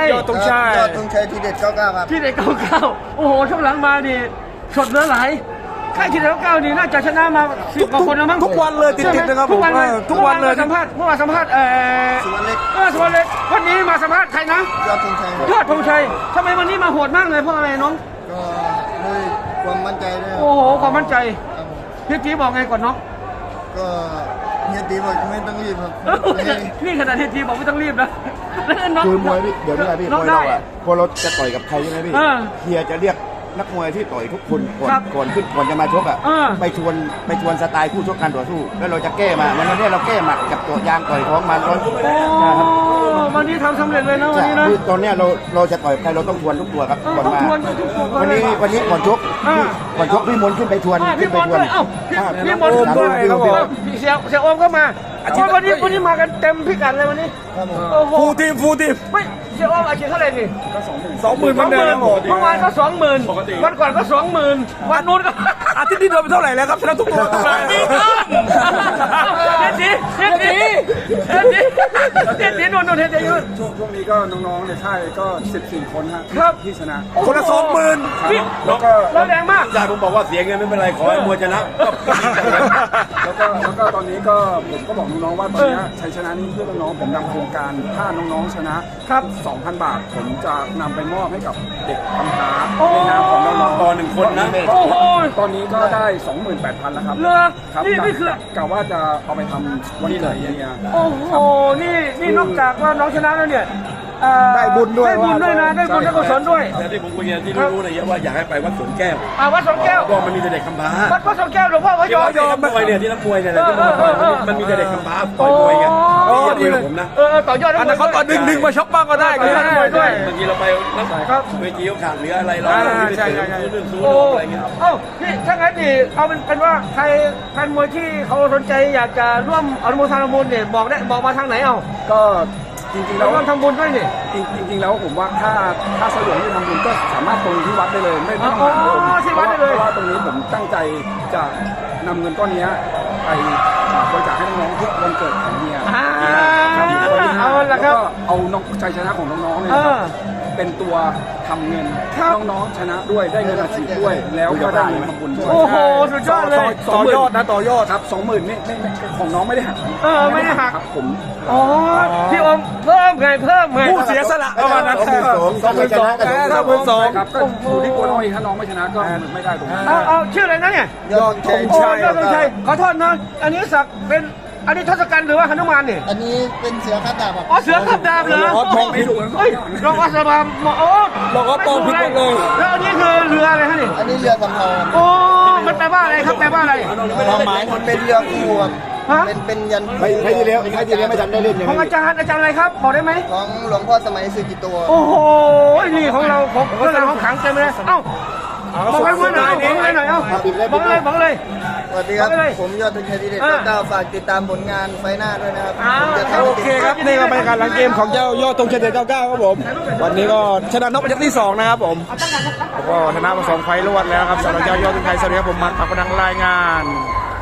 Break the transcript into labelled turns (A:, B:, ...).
A: ยอดธงชัยทีเด็ด99ครับ
B: ที่เด็ด99โอ้โหช่วงหลังมาดิสดเหลือหลายค่ายที่เด็ด99นี่น่าจะชนะมา10 กว่าคนแล้วมั้ง
C: ทุกวันเลยติดๆนะครับผม
B: ทุกวันเลยสัมภาษณ์เมื่อวานสัมภาษณ์
A: สุวรรณเล็ก
B: สุวรรณเล็กวันนี้มาสัมภาษณ์ใครนะ
A: ยอดธงชัย
B: ยอดธงชัยทำไมวันนี้มาโหดมากเลยเพราะอะไรน้อง
A: ก็ด้วยความมั่นใจด้วย
B: โอ้โหความมั่นใจพี่ตีบอกไงก่อนน้อง
A: ก็เฮียตีบอกไม่ต้องรีบครับ
B: นี่ขนาดเฮียตีบอกไม่ต้องรีบนะ
C: คือมวยพี่เดี๋ยวนี้พี่มวยเราอะพอเราจะต่อยกับใครใช่ไหมพี่เฮียจะเรียกนักมวยที่ต่อยทุกคนก่อนจะมาชกอ่ะไปชวนสไตล์คู่ชกการต่อสู้แล้วเราจะแก้มาวันนี้เราแก้หมัดกับตัวยางต่อยท้องมานะครับ
B: วันนี้ทำสำเร็จเลยนะวันนี้นะ
C: ตอนนี้เราจะต่อยใครเราต้องทวนทุกตัวครับก่อนมาวันนี้ก่อนชกพี่มนขึ้นไปทวน
B: พี่มนด้วยพี่มนขึ้นด้วยเสียโอมก็มาวันนี้มากันเต็มพิกัดเลยวันนี้
C: ฟูทีม
B: ไม่เสียโอมอาชีพเท่าไหร่นี่
C: 20,000เหมือนเดิม
B: เมื่อวานก็20,000วันก่อนก็20,000วันนู้นก็
C: อาทิตย์นี้โดนไปเท่าไหร่แล้วครับชนะทุกตัว
B: เฮ็ดดีนู่นเฮ็ดดีอยู่
D: ช่วงนี้ก็น้องๆในค่ายก็14 คน
B: ครับ
D: ที่ชนะ
C: คนละ20,000
B: แล้วก็แรงมาก
C: ยายผมบอกว่าเสียเงินไม่เป็นไรขอให้มวยชนะ
D: แล้วก็ตอนนี้ก็ผมก็บอกน้องๆว่าตอนนี้ชัยชนะนี้เพื่อน้องๆผมนำโครงการถ้าน้องๆชนะครับ 2,000 บาทผมจะนำไปมอบให้กับเด็กกำพร้าในนามของน้องๆ
C: ต่อ1 คนนะ
D: ตอนนี้ก็ได้ 28,000 แล้วครับ
B: ครับนี่คื
D: อกะว่าจะเอาไปทำวันเกิดเนี่ย
B: โอ้โหนี่นอกจากว่าน้องชนะแล้วเนี่ย
C: ได้บุญด้วย
B: นะได้บุญได้กุศลด้วย
C: แต่ที่ผมคุยกันที่รู้นะว่าอยากให้ไปวัดสวนแก้ว
B: วัดสวนแก้ว
C: ก็มันมีเด็กกำพร้า
B: วัดสวนแก้วหลวงพ่อพยอม
C: มวยเนี่ยที่นักมวยเนี่ยมันมีเด็กกำพร้าต่อยมวยกันนี่ผมนะ
B: ต่อยอด
C: อันนั้นเขาต่อดึงมาชกบ้างก็ได้
B: ด้วย
C: บางทีเราไปเวทีเขาขาดเหลืออะไรเรา
B: ใช่อะไรเงี้ยพี่ถ้างั้นนี่เอาเป็นว่าใครแฟนมวยที่เขาสนใจอยากจะร่วมอนุโมทนาบุญเนี่ยบอกมาทางไหนเอา
D: ก็จริงๆแล้ว
B: ทำบุญด้วยนี่
D: จริงๆแล้วผมว่าถ้าสะดวกที่ทำบุญก็สามารถตรงที่วัดได้เลยไม่ต้องมา
B: ที่วัดได้เลย
D: เพราะว่าตรงนี้ผมตั้งใจจะนำเงินก้อนนี้ไปบริจาคให้น้องๆทุกวันเกิดของเมีย
B: เอาละครับ
D: เอาน้องชัยชนะของน้องๆเนี่ยเป็นตัวทำเงินน้องๆชนะด้วยได้เงินอาชีพด้วยแล้วก็ได้เงินทำบุญด้วย
B: โอ้โหสุดยอดเลย
C: ต่อยอดนะต่อยอด
D: ครับ20,000ไม่ของน้องไม่ได้หัก
B: ไม่ได้หัก
D: ครับผม
B: พี่อมเพิ่มไง
C: ผู้เสียสละประมาณนั้น
D: 22,000ครับก็อยู่ที่ตัวน้องเองถ้าน้องไม่ชนะก็ไม่ได้ตรงนั้น
B: เอาชื่ออะไรนะเนี่ย
C: ยอดธงชัย
B: ขอโทษนะอันนี้สักเป็นอันนี้ทศกัณฐ์หรือว่าหนุมานเนี่ย
A: อันนี้เป็นเสือขับดาบครับ
B: เสือขับดาบเหรอ
C: มองไม่ถูก
B: ลองอัศบาม
C: ลองมองผิดเลย
B: แล้วอันนี้คือเรืออะไรฮะนี่
A: อันนี้เรือสำเภา
B: มันแปลว่าอะไรครับแปลว่าอะไร
A: ความหมายมันเป็นเรือคู่ครับเป็นยัน
C: ใครที่เลี้ยงไม่ทันได้เล่น
B: ของอาจารย์อะไรครับบอกได้ไหม
A: ของหลวงพ่อสมัยสุจิโต
B: โอ้โหนี่ของเราของขังเต็มเลยบอกให้พูดหน่อยบอกเลย
A: สวัสดีครับผมยอดธงชัยทีเด็ด99ฝากติดตามผลงานไฟหน้าด้วยนะครับ
C: โอเคครับนี่ก็เป็นการหลังเกมของเจ้ายอดธงชัยทีเด็ด99ครับผมวันนี้ก็ชนะน็อกเป็นที่2นะครับผมก็ชนะมา2 ไฟล์รวดแล้วครับสำหรับเจ้ายอดธงชัยสวัสดีครับผมมันปักกระดังรายงาน